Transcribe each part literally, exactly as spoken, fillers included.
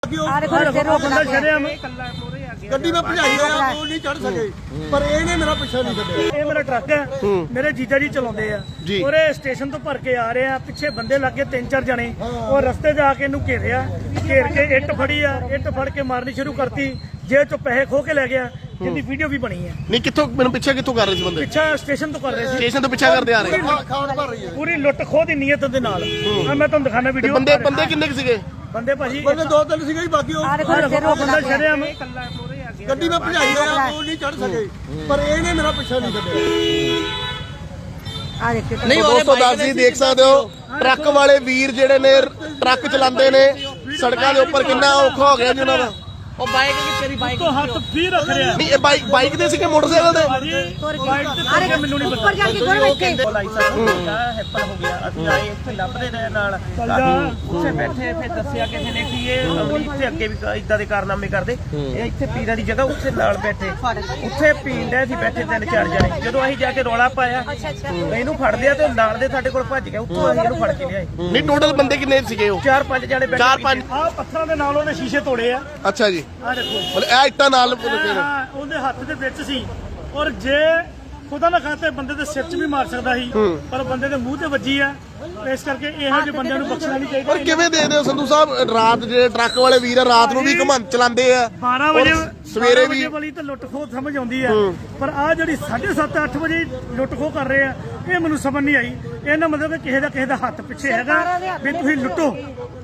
ਗੱਡੀ ਮੈਂ ਭਜਾਈ ਆ ਉਹ ਨਹੀਂ ਚੜ ਸਕੇ ਪਰ ਇਹਨੇ ਮੇਰਾ ਪਿੱਛਾ ਨਹੀਂ ਛੱਡਿਆ। ਇਹ ਮੇਰਾ ਟਰੱਕ ਹੈ, ਮੇਰੇ ਜੀਜਾ ਜੀ ਚਲਾਉਂਦੇ ਆ ਔਰ ਇਹ ਸਟੇਸ਼ਨ ਤੋਂ ਭਰ ਕੇ ਆ ਰਹੇ ਆ। ਪਿੱਛੇ ਬੰਦੇ ਲੱਗੇ ਤਿੰਨ ਚਾਰ ਜਣੇ ਔਰ ਰਸਤੇ ਜਾ ਕੇ ਇਹਨੂੰ ਘੇਰਿਆ, ਘੇਰ ਕੇ ਇੱਟ ਫੜੀ ਆ, ਇੱਟ ਫੜ ਕੇ ਮਾਰਨੀ ਸ਼ੁਰੂ ਕਰਤੀ। ਜੇਬ ਚੋਂ ਪੈਸੇ ਖੋ ਕੇ ਲੈ ਗਿਆ, ਜਿਹਦੀ ਵੀਡੀਓ ਵੀ ਬਣੀ ਹੈ। ਨਹੀਂ ਕਿੱਥੋਂ ਮੈਨੂੰ ਪਿੱਛੇ ਕਿੱਥੋਂ ਕਰ ਰਹੇ ਸੀ ਬੰਦੇ? ਪਿੱਛਾ ਸਟੇਸ਼ਨ ਤੋਂ ਕਰ ਰਹੇ ਸੀ, ਸਟੇਸ਼ਨ ਤੋਂ ਪਿੱਛਾ ਕਰਦੇ ਆ ਰਹੇ ਖਾਣ ਭਰ ਰਹੀ ਹੈ ਪੂਰੀ ਲੁੱਟ ਖੋਹ ਦੀ ਨੀਅਤ ਦੇ ਨਾਲ। ਆ ਮੈਂ ਤੁਹਾਨੂੰ ਦਿਖਾਣਾ ਵੀਡੀਓ। ਬੰਦੇ ਬੰਦੇ ਕਿੰਨੇ ਕੁ ਸੀਗੇ? ਬੰਦੇ ਭਾਜੀ ਬੰਦੇ ਦੋ ਤਿੰਨ ਸੀਗੇ ਜੀ, ਬਾਕੀ ਉਹ ਬੰਦਾ ਛੜਿਆ ਮੈਂ ਗੱਡੀ ਮੈਂ ਭਜਾਈ ਆ ਉਹ ਨਹੀਂ ਚੜ ਸਕੇ ਪਰ ਇਹਨੇ ਮੇਰਾ ਪਿੱਛਾ ਨਹੀਂ ਛੱਡਿਆ। ਨਹੀਂ ਦੋਸਤੋ ਦੱਸਦੀ ਦੇਖ ਸਕਦੇ ਹੋ ਟਰੱਕ ਵਾਲੇ ਵੀਰ ਜਿਹੜੇ ਨੇ ਟਰੱਕ ਚਲਾਉਂਦੇ ਨੇ ਸੜਕਾਂ ਦੇ ਉੱਪਰ ਕਿੰਨਾ ਔਖਾ ਹੋ ਗਿਆ ਜੀ ਉਹਨਾਂ ਦਾ। ਉਹ ਬਾਈਕ ਕਿ ਤੇਰੀ ਬਾਈਕ ਤੋਂ ਹੱਥ ਵੀ ਰੱਖ ਰਿਹਾ। ਨਹੀਂ ਇਹ ਬਾਈਕ ਬਾਈਕ ਤੇ ਸੀਗੇ ਮੋਟਰਸਾਈਕਲ ਤੇ? ਬਾਈਕ ਤੇ ਤੇ ਮੈਨੂੰ ਨਹੀਂ ਪਤਾ। ਉੱਪਰ ਜਾ ਕੇ ਗੁਰ ਬੈਠੇ ਲਾਇਸੈਂਸ ਹੈਪਨ ਹੋ ਗਿਆ। ਅਸੀਂ ਆਏ ਇੱਥੇ ਲੱਭਦੇ ਰਹੇ ਨਾਲ ਉੱਥੇ ਬੈਠੇ, ਫਿਰ ਦੱਸਿਆ ਕਿਸੇ ਨੇ ਕਿ ਇਹ ਅਮਲੀ ਇੱਥੇ ਅੱਗੇ ਵੀ ਇਦਾਂ ਦੇ ਕਾਰਨਾਮੇ ਕਰਦੇ। ਇਹ ਇੱਥੇ ਪੀਰਾਂ ਦੀ ਜਗ੍ਹਾ ਉੱਥੇ ਨਾਲ ਬੈਠੇ, ਉੱਥੇ ਪੀਣ ਦੇ ਸੀ ਬੈਠੇ ਤਿੰਨ ਚਾਰ ਜਣੇ। ਜਦੋਂ ਅਸੀਂ ਜਾ ਕੇ ਰੌਲਾ ਪਾਇਆ ਇਹਨੂੰ ਫੜ ਲਿਆ ਤੇ ਨਾਲ ਦੇ ਸਾਡੇ ਕੋਲ ਭੱਜ ਗਿਆ। ਉੱਥੋਂ ਅਸੀਂ ਇਹਨੂੰ ਫੜ ਕੇ ਲਿਆਏ। ਨਹੀਂ ਟੋਟਲ ਬੰਦੇ ਕਿੰਨੇ ਸੀਗੇ ਉਹ? ਚਾਰ ਪੰਜ ਜਣੇ ਬੈਠੇ। ਚਾਰ ਪੰਜ ਆ ਪੱਥਰਾਂ ਦੇ ਨਾਲ ਉਹਨੇ ਸ਼ੀਸ਼ੇ ਤੋੜੇ ਆ। ਅੱਛਾ ਜੀ, ਆ ਦੇਖੋ ਮਤਲਬ ਇਹ ਇੱਟਾਂ ਨਾਲ ਹਾਂ, ਉਹਦੇ ਹੱਥ ਦੇ ਵਿੱਚ ਸੀ ਔਰ ਜੇ ਖੁਦਾ ਨਾ ਖਾਤੇ ਬੰਦੇ ਦੇ ਸਿਰ 'ਚ ਵੀ ਮਾਰ ਸਕਦਾ ਸੀ ਪਰ ਬੰਦੇ ਦੇ ਮੂੰਹ ਤੇ ਵੱਜੀ ਆ। ਇਸ ਕਰਕੇ ਇਹੋ ਜਿਹੇ ਬੰਦਿਆਂ ਨੂੰ ਬਖਸ਼ਣਾ ਨਹੀਂ ਚਾਹੀਦਾ। ਪਰ ਕਿਵੇਂ ਦੇਖਦੇ ਹੋ ਸੰਧੂ ਸਾਹਿਬ ਰਾਤ ਜਿਹੜੇ ਟਰੱਕ ਵਾਲੇ ਵੀਰ ਆ ਰਾਤ ਨੂੰ ਵੀ ਘੁੰਮਣ ਚਲਾਉਂਦੇ ਆ ਬਾਰਾਂ ਵਜੇ ਸਵੇਰੇ ਵੀ ਵਾਲੀ ਤਾਂ ਲੁੱਟ ਖੋਹ ਸਮਝ ਆਉਂਦੀ ਆ ਪਰ ਆ ਜਿਹੜੀ ਸਾਢੇ ਸੱਤ ਅੱਠ ਵਜੇ ਲੁੱਟ ਖੋਹ ਕਰ ਰਹੇ ਆ ਇਹ ਮੈਨੂੰ ਸਮਝ ਨਹੀਂ ਆਈ। ਇਹਨਾਂ ਮਤਲਬ ਕਿ ਕਿਸੇ ਦਾ ਕਿਸੇ ਦਾ ਹੱਥ ਪਿੱਛੇ ਹੈਗਾ ਵੀ ਤੁਸੀਂ ਲੁੱਟੋ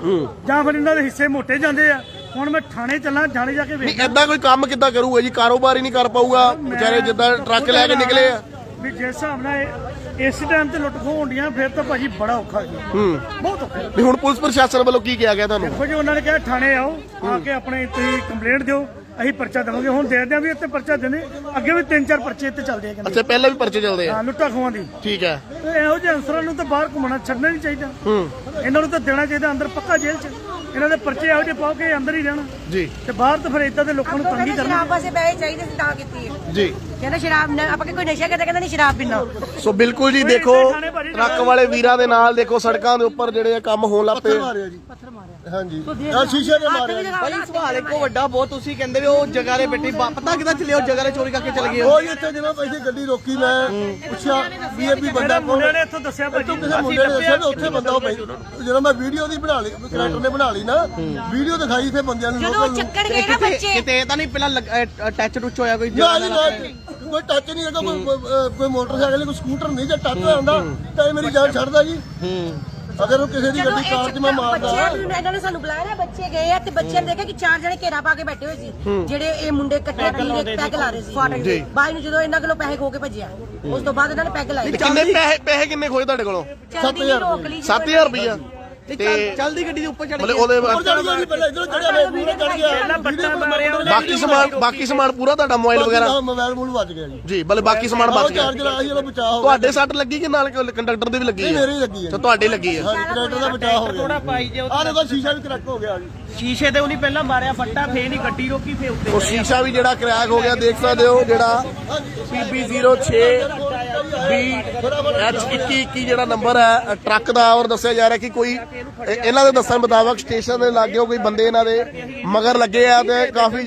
ਜਾਂ ਫਿਰ ਇਹਨਾਂ ਦੇ ਹਿੱਸੇ ਮੋਟੇ ਜਾਂਦੇ ਆ। ਹੁਣ ਮੈਂ ਥਾਣੇ ਚੱਲਾਂ, ਥਾਣੇ ਜਾ ਕੇ ਵੇਖ ਏਦਾਂ ਕੋਈ ਕੰਮ ਕਿੱਦਾਂ ਕਰੂਗਾ ਜੀ? ਕਾਰੋਬਾਰ ਹੀ ਨਹੀਂ ਕਰ ਪਾਊਗਾ ਵਿਚਾਰੇ ਜਿੱਦਾਂ ਟਰੱਕ ਲੈ ਕੇ ਨਿਕਲੇ ਆ। ਵੀ ਜਿਸ ਹਿਸਾਬ ਨਾਲ ਇਹ- ਇਸ ਟਾਈਮ ਤੇ ਲੁੱਟ ਖੋਹ ਹੁੰਦੀਆਂ ਫਿਰ ਤਾਂ ਭਾਜੀ ਬੜਾ ਔਖਾ ਜੀ, ਹੂੰ ਬਹੁਤ ਔਖਾ। ਨਹੀਂ ਹੁਣ ਪੁਲਿਸ ਪ੍ਰਸ਼ਾਸਨ ਵੱਲੋਂ ਕੀ ਕਿਹਾ ਗਿਆ ਤੁਹਾਨੂੰ? ਦੇਖੋ ਜੀ ਉਹਨਾਂ ਨੇ ਕਿਹਾ ਥਾਣੇ ਆਓ, ਆ ਕੇ ਆਪਣੇ ਤੁਸੀਂ ਕੰਪਲੇਂਟ ਦਿਓ, ਅਸੀਂ ਪਰਚਾ ਦੇਵਾਂਗੇ। ਹੁਣ ਦੇ ਦਿਆਂ ਵੀ ਇੱਥੇ ਪਰਚਾ ਦਿੰਦੇ, ਅੱਗੇ ਵੀ ਤਿੰਨ ਚਾਰ ਪਰਚੇ ਇੱਥੇ ਚੱਲਦੇ ਆ ਕਹਿੰਦੇ। ਅੱਛਾ ਪਹਿਲਾਂ ਵੀ ਪਰਚੇ ਚੱਲਦੇ ਆ? ਹਾਂ ਲੁੱਟਾਂ ਖੋਹਾਂ ਦੀ। ਠੀਕ ਹੈ। ਤੇ ਇਹੋ ਜਿਹੇ ਅਨਸਰਾਂ ਨੂੰ ਤਾਂ ਬਾਹਰ ਘੁੰਮਣਾ ਛੱਡਣਾ ਨਹੀਂ ਚਾਹੀਦਾ। ਹੂੰ ਇਹਨਾਂ ਨੂੰ ਤਾਂ ਦੇਣਾ ਚਾਹੀਦਾ ਅੰਦਰ ਪੱਕਾ ਜੇਲ੍ਹ 'ਚ। ਇਹਨਾਂ ਦੇ ਪਰਚੇ ਇਹੋ ਜਿਹੇ ਪਾਓ ਕਿ ਅੰਦਰ ਹੀ ਰਹਿਣਾ ਜੀ ਤੇ ਬਾਹਰ ਤਾਂ ਫਿਰ ਇਦਾਂ ਦੇ ਲੋਕਾਂ ਨੂੰ ਤੰਗੀ ਕਰਨਾ। ਸ਼ਰਾਬ ਵਾਸਤੇ ਪੈਸੇ ਚਾਹੀਦੇ ਸੀ ਤਾਂ ਕੀਤੀ ਹੈ ਜੀ। ਕਹਿੰਦਾ ਸ਼ਰਾਬ ਨਾ ਆਪਾਂ ਕੋਈ ਨਸ਼ਾ ਕਰਦਾ, ਕਹਿੰਦਾ ਨਹੀਂ ਸ਼ਰਾਬ ਪੀਣਾ। ਸੋ ਬਿਲਕੁਲ ਜੀ ਦੇਖੋ ਟਰੱਕ ਵਾਲੇ ਵੀਰਾਂ ਦੇ ਨਾਲ ਦੇਖੋ ਸੜਕਾਂ ਦੇ ਉੱਪਰ ਜਿਹੜੇ ਆ ਕੰਮ ਹੋਣ ਲੱਗ ਪਏ। ਮਾਰਿਆ ਜੀ ਹਾਂਜੀ ਆ ਸ਼ੀਸ਼ੇ ਨੇ ਮਾਰਿਆ। ਭਾਈ ਸਵਾਲ ਇੱਕੋ ਵੱਡਾ ਬਹੁਤ। ਤੁਸੀਂ ਕਹਿੰਦੇ ਵੀ ਉਹ ਜਗ੍ਹਾ ਦੇ ਬੈਠੀ ਪਤਾ ਕਿਦਾਂ ਚੱਲੇ ਉਹ ਜਗ੍ਹਾ ਦੇ ਚੋਰੀ ਕਰਕੇ ਚਲੇ ਗਏ? ਉਹ ਇੱਥੇ ਜਦੋਂ ਪੈਸੇ ਗੱਡੀ ਰੋਕੀ ਮੈਂ ਪੁੱਛਿਆ ਵੀ ਇਹ ਵੀ ਬੰਦਾ ਮੁੰਡੇ ਨੇ ਇੱਥੋਂ ਦੱਸਿਆ ਭਾਜੀ ਕਿਸੇ ਮੁੰਡੇ ਨੇ ਦੱਸਿਆ ਉੱਥੇ ਬੰਦਾ ਉਹ ਜਦੋਂ ਮੈਂ ਵੀਡੀਓ ਦੀ ਬਣਾ ਲਈ ਕਰੈਕਟਰ ਨੇ ਬਣਾ ਲਈ ਨਾ ਵੀਡੀਓ ਦਿਖਾਈ ਫਿਰ ਬੰਦਿਆਂ ਨੂੰ ਜਦੋਂ ਚੱਕਣ ਗਏ ਨਾ ਬੱਚੇ ਕਿਤੇ ਇਹ ਤਾਂ ਨਹੀਂ ਪਹਿਲਾਂ ਟੱਚ ਟੁੱਚ ਹੋਇਆ ਕੋਈ? ਨਾ ਜੀ ਨਾ ਕੋਈ ਟੱਚ ਨਹੀਂ ਹੈਗਾ, ਕੋਈ ਕੋਈ ਮੋਟਰਸਾਈਕਲ ਕੋਈ ਸਕੂਟਰ ਨਹੀਂ ਜੇ ਟੱਚ ਹੁੰਦਾ ਤਾਂ ਇਹ ਮੇਰੀ ਜਾਨ ਛੱਡਦਾ ਜੀ। ਅਗਰ ਉਹ ਕਿਸੇ ਦੀ ਗੱਡੀ ਕਾਰ 'ਚ ਮੈਂ ਮਾਰਦਾ। ਇਹਨਾਂ ਨੇ ਸਾਨੂੰ ਬੁਲਾਇਆ, ਬੱਚੇ ਗਏ ਆ ਤੇ ਬੱਚਿਆਂ ਨੇ ਦੇਖਿਆ ਕਿ ਚਾਰ ਜਣੇ ਘੇਰਾ ਪਾ ਕੇ ਬੈਠੇ ਹੋਏ ਸੀ ਜਿਹੜੇ ਇਹ ਮੁੰਡੇ ਇਕੱਠੇ ਪੀਰੇ ਪੈਗ ਲਾ ਰਹੇ ਸੀ ਫਾਟਕ ਦੇ ਬਾਈ ਨੂੰ। ਜਦੋਂ ਇਹਨਾਂ ਕੋਲੋਂ ਪੈਸੇ ਖੋ ਕੇ ਭੱਜਿਆ ਉਸ ਤੋਂ ਬਾਅਦ ਇਹਨਾਂ ਨੇ ਪੈਗ ਲਾਏ। ਕਿੰਨੇ ਪੈਸੇ ਪੈਸੇ ਕਿੰਨੇ ਖੋਏ ਤੁਹਾਡੇ ਕੋਲੋਂ? ਸੱਤ ਹਜ਼ਾਰ ਸੱਤ ਹਜ਼ਾਰ ਰੁਪਈਆ ਤੇ ਚੱਲਦੀ ਗੱਡੀ ਦੇ ਉੱਪਰ ਚੜ ਮਤਲਬ ਉਹਦੇ ਚੜ ਗਿਆ ਜੀ, ਪਹਿਲਾਂ ਇੱਧਰੋਂ ਚੜਿਆ ਫਿਰ ਪੂਰਾ ਚੜ ਗਿਆ। ਬੱਟਾ ਮਾਰਿਆ ਉਹਨੇ। ਬਾਕੀ ਸਮਾਨ ਬਾਕੀ ਸਮਾਨ ਪੂਰਾ ਤੁਹਾਡਾ ਮੋਬਾਈਲ ਵਗੈਰਾ? ਮੋਬਾਈਲ ਮੂਲ ਵੱਜ ਗਿਆ ਜੀ। ਜੀ ਮਤਲਬ ਬਾਕੀ ਸਮਾਨ ਬਚ ਗਿਆ। ਚਾਰਜਰ ਆਹੀ ਉਹਦਾ ਬਚਾਅ ਹੋ ਗਿਆ। ਤੁਹਾਡੇ ਸੱਟ ਲੱਗੀ ਕਿ ਨਾਲ ਕੰਡਕਟਰ ਦੀ ਵੀ ਲੱਗੀ ਹੈ? ਮੇਰੀ ਲੱਗੀ ਹੈ। ਤਾਂ ਤੁਹਾਡੀ ਲੱਗੀ ਹੈ? ਹਾਂਜੀ ਕਰੈਕਟਰ ਦਾ ਬਚਾਅ ਹੋ ਥੋੜਾ ਗਿਆ। ਪਾਈ ਜੇ ਆਹ ਦੇਖੋ ਸ਼ੀਸ਼ਾ ਵੀ ਕਰੈਕਟ ਹੋ ਗਿਆ ਜੀ। ਸ਼ੀਸ਼ੇ ਤੇ ਉਹਨੇ ਪਹਿਲਾਂ ਮਾਰਿਆ ਫੱਟਾ, ਫੇਰ ਨਹੀਂ ਗੱਡੀ ਰੋਕੀ, ਫੇਰ ਉੱਤੇ ਉਹ ਸ਼ੀਸ਼ਾ ਵੀ ਜਿਹੜਾ ਕਰੈਕ ਹੋ ਗਿਆ ਦੇਖ ਸਕਦੇ ਹੋ। ਜਿਹੜਾ ਪੀ ਬੀ ਜ਼ੀਰੋ ਛੇ ਬੀ ਐਚ ਇੱਕੀ ਇੱਕੀ ਜਿਹੜਾ ਨੰਬਰ ਹੈ ਟਰੱਕ ਦਾ ਔਰ ਦੱਸਿਆ ਜਾ ਰਿਹਾ ਕਿ ਕੋਈ ਇਹ- ਇਹਨਾਂ ਦੇ ਦੱਸਣ ਮੁਤਾਬਕ ਸਟੇਸ਼ਨ ਦੇ ਲਾਗੇ ਕੋਈ ਬੰਦੇ ਇਹਨਾਂ ਦੇ ਮਗਰ ਲੱਗੇ ਆ ਤੇ ਕਾਫੀ